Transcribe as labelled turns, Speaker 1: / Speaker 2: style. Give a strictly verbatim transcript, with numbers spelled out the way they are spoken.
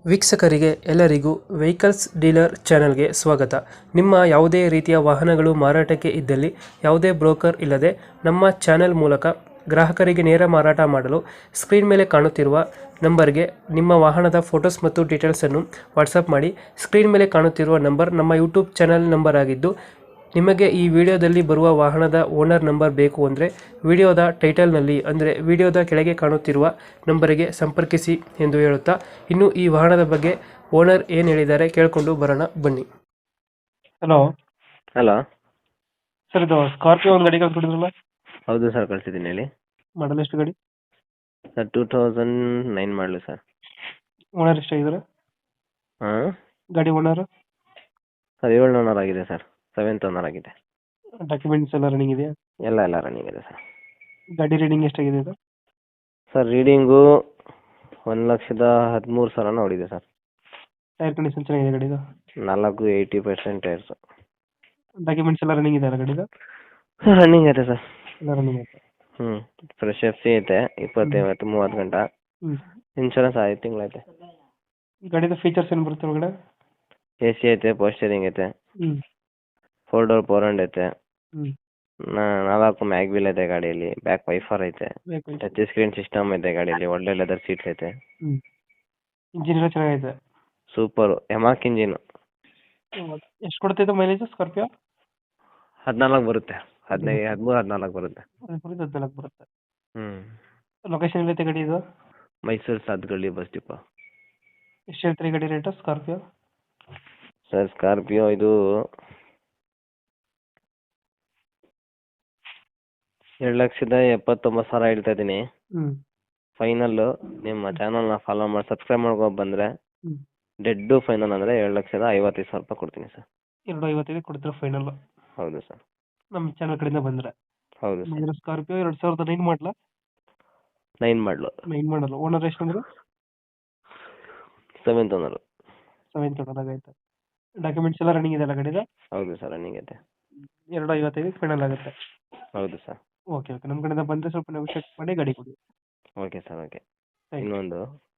Speaker 1: ವೀಕ್ಷಕರಿಗೆ ಎಲ್ಲರಿಗೂ vehicles dealer ಚಾನೆಲ್ಗೆ ಸ್ವಾಗತ. ನಿಮ್ಮ ಯಾವುದೇ ರೀತಿಯ ವಾಹನಗಳು ಮಾರಾಟಕ್ಕೆ ಇದ್ದಲ್ಲಿ ಯಾವುದೇ ಬ್ರೋಕರ್ ಇಲ್ಲದೆ ನಮ್ಮ ಚಾನೆಲ್ ಮೂಲಕ ಗ್ರಾಹಕರಿಗೆ ನೇರ ಮಾರಾಟ ಮಾಡಲು ಸ್ಕ್ರೀನ್ ಮೇಲೆ ಕಾಣುತ್ತಿರುವ ನಂಬರ್ಗೆ ನಿಮ್ಮ ವಾಹನದ ಫೋಟೋಸ್ ಮತ್ತು ಡೀಟೇಲ್ಸನ್ನು ವಾಟ್ಸಪ್ ಮಾಡಿ. ಸ್ಕ್ರೀನ್ ಮೇಲೆ ಕಾಣುತ್ತಿರುವ ನಂಬರ್ ನಮ್ಮ ಯೂಟ್ಯೂಬ್ ಚಾನೆಲ್ ನಂಬರ್ ಆಗಿದ್ದು, ನಿಮಗೆ ಈ ವಿಡಿಯೋದಲ್ಲಿ ಬರುವ ವಾಹನದ ಓನರ್ ನಂಬರ್ ಬೇಕು ಅಂದರೆ ವಿಡಿಯೋದ ಟೈಟಲ್ನಲ್ಲಿ ಅಂದರೆ ವಿಡಿಯೋದ ಕೆಳಗೆ ಕಾಣುತ್ತಿರುವ ನಂಬರಿಗೆ ಸಂಪರ್ಕಿಸಿ ಎಂದು ಹೇಳುತ್ತಾ, ಇನ್ನು ಈ ವಾಹನದ ಬಗ್ಗೆ ಓನರ್ ಏನು ಹೇಳಿದ್ದಾರೆ ಕೇಳಿಕೊಂಡು ಬರೋಣ ಬನ್ನಿ. ಹಲೋ
Speaker 2: ಹಲೋ
Speaker 1: ಸರ್, ಇದು ಸ್ಕಾರ್ಪಿಯೋ ಒಂದು ಗಾಡಿ ಕಳ್ಸ್ಕೊಟ್ಟಿದ್ರಲ್ಲ,
Speaker 2: ಹೌದು ಸರ್, ಕಳಿಸಿದ್ದೀನಿ ಹೇಳಿ.
Speaker 1: ಮಾಡಲ್ ಎಷ್ಟು ಗಾಡಿ?
Speaker 2: Sir two thousand nine model sir.
Speaker 1: Owner ಎಷ್ಟಾಗಿದ್ದಾರೆ
Speaker 2: ಹಾಂ
Speaker 1: ಗಾಡಿ? ಓನರ್
Speaker 2: ಸರ್ ಏಳು ಓನರ್ ಆಗಿದೆ ಸರ್, ಸೆವೆಂತ್ ಓನರ್ ಆಗಿದೆ.
Speaker 1: ಡಾಕ್ಯುಮೆಂಟ್ಸ್ ಎಲ್ಲ ರನ್ನಿಂಗ್ ಇದೆಯಾ?
Speaker 2: ಎಲ್ಲ ಎಲ್ಲ ರನ್ನಿಂಗ್ ಇದೆ ಸರ್.
Speaker 1: ಗಾಡಿ ರೀಡಿಂಗ್ ಎಷ್ಟಾಗಿದೆ ಇದು?
Speaker 2: ಸರ್ ರೀಡಿಂಗು ಒಂದು ಲಕ್ಷದ ಹದಿಮೂರು ಸಾವಿರ ನೋಡಿದೆ ಸರ್.
Speaker 1: ಟೈರ್ ಕಂಡೀಷನ್ ಚೆನ್ನಾಗಿದೆ ಗಾಡಿದು?
Speaker 2: ನಾಲ್ಕು ಏಯ್ಟಿ ಪರ್ಸೆಂಟ್ ಟೈರ್ಸು.
Speaker 1: ಡಾಕ್ಯುಮೆಂಟ್ಸ್ ಎಲ್ಲ ರನ್ನಿಂಗ್ ಇದೆ ಅಲ್ಲ ಗಾಡಿದು?
Speaker 2: ರನ್ನಿಂಗ್ ಐತೆ ಸರ್.
Speaker 1: ಎಲ್ಲ ರನ್ನಿಂಗ್ ಐತೆ.
Speaker 2: ಹ್ಞೂ ಫ್ರೆಶ್ ಎಫ್ ಸಿ ಐತೆ, ಇಪ್ಪತ್ತೈವತ್ತು ಮೂವತ್ತು ಗಂಟೆ.
Speaker 1: ಹ್ಞೂ
Speaker 2: ಇನ್ಶೂರೆನ್ಸ್ ಐದು ತಿಂಗಳೈತೆ.
Speaker 1: ಗಾಡಿದು ಫೀಚರ್ಸ್ ಏನು ಬರುತ್ತೆ ಒಳಗಡೆ?
Speaker 2: ಎ ಸಿ ಐತೆ, ಪೋಸ್ಟರಿಂಗ್ ಐತೆ,
Speaker 1: ಹ್ಞೂ
Speaker 2: ಫೋರ್ ಡೋರ್ ಫೋರ್ ಹಂಡ್ ಐತೆ,
Speaker 1: ಹ್ಞೂ
Speaker 2: ನಾ- ನಾಲ್ಕು ಮ್ಯಾಗ್ವಿಲ್ ಐತೆ ಗಾಡಿಯಲ್ಲಿ, ಬ್ಯಾಕ್ ವೈಫರ್ ಐತೆ,
Speaker 1: ಬೇಕು.
Speaker 2: ಟಚ್ ಸ್ಕ್ರೀನ್ ಸಿಸ್ಟಮ್ ಐತೆ ಗಾಡಿಯಲ್ಲಿ, ಒಳ್ಳೆ ಲೆದರ್ ಸೀಟ್ಸ್ ಐತೆ.
Speaker 1: ಹ್ಞೂ ಇಂಜಿನ್ ಎಲ್ಲ ಚೆನ್ನಾಗೈತೆ.
Speaker 2: Super mHawk engine.
Speaker 1: ಎಷ್ಟು ಕೊಡ್ತೈತೆ ಮೈಲೇಜ್ ಸ್ಕಾರ್ಪಿಯೋ?
Speaker 2: ಹದಿನಾಲ್ಕು ಬರುತ್ತೆ, ಹದಿನೈದು ಹದಿಮೂರು ಹದಿನಾಲ್ಕು ಬರುತ್ತೆ.
Speaker 1: ಹದಿಮೂರಿಂದ ಹದಿನಾಲ್ಕು ಬರುತ್ತೆ.
Speaker 2: ಹ್ಞೂ
Speaker 1: ಲೊಕೇಶನ್ ಎಲ್ಲೈತೆ ಗಾಡಿ ಇದು?
Speaker 2: Mysuru Sathagalli bus depot.
Speaker 1: ಎಷ್ಟು ಹೇಳ್ತೀರಿ ಗಾಡಿ ರೇಟು ಸ್ಕಾರ್ಪಿಯೋ?
Speaker 2: ಸರ್ ಸ್ಕಾರ್ಪಿಯೋ ಇದು ಎರಡು ಲಕ್ಷದ ಎಪ್ಪತ್ತೊಂಬತ್ತು ಸಾವಿರ ಹೇಳ್ತಾ ಇದ್ದೀನಿ.
Speaker 1: ಹ್ಞೂ
Speaker 2: ಫೈನಲ್ಲು ನಿಮ್ಮ ಚಾನಲ್ನ ಫಾಲೋ ಮಾಡಿ ಸಬ್ಸ್ಕ್ರೈಬ್ ಮಾಡ್ಕೊಂಡು ಬಂದರೆ
Speaker 1: ಹ್ಞೂ
Speaker 2: ಡೆಡ್ಡು ಫೈನಲ್ ಅಂದರೆ ಎರಡು ಲಕ್ಷದ ಐವತ್ತೈದು ಸಾವಿರ ರೂಪಾಯಿ ಕೊಡ್ತೀನಿ ಸರ್.
Speaker 1: ಎರಡು ಐವತ್ತೈದು ಕೊಡ್ತೀರಾ ಫೈನಲ್?
Speaker 2: ಹೌದು ಸರ್.
Speaker 1: ನಮ್ಮ ಚಾನಲ್ ಕಡೆಯಿಂದ ಬಂದರೆ
Speaker 2: ಹೌದು ಸರ್.
Speaker 1: ಸ್ಕಾರ್ಪಿಯೋ ಎರಡು ಸಾವಿರದ ನೈನ್ ಮಾಡಲ?
Speaker 2: Nine model.
Speaker 1: ನೈನ್ ಮಾಡಲ್ಲ. ಓನರ್ ಎಷ್ಟು ಅಂದ್ರೆ?
Speaker 2: Seventh owner.
Speaker 1: ಸೆವೆಂತ್ ಓನರ್ ಆಗೈತೆ. ಡಾಕ್ಯುಮೆಂಟ್ಸ್ ಎಲ್ಲ ರನ್ನಿಂಗ್ ಇದೆ ಅಲ್ಲ ಗಾಡಿದು?
Speaker 2: ಹೌದು ಸರ್, ರನ್ನಿಂಗ್ ಐತೆ.
Speaker 1: ಎರಡು ಐವತ್ತೈದು ಫೈನಲ್ ಆಗುತ್ತೆ.
Speaker 2: ಹೌದು ಸರ್.
Speaker 1: ಓಕೆ ಓಕೆ ನಮ್ಮ ಕಡೆಯಿಂದ ಬಂದರೆ ಸ್ವಲ್ಪ ನೆಗೋಷಿಯೇಟ್ ಮಾಡಿ ಗಾಡಿ ಕೊಡಿ.
Speaker 2: Okay sir, okay.
Speaker 1: Thank you.
Speaker 2: ಇನ್ನೊಂದು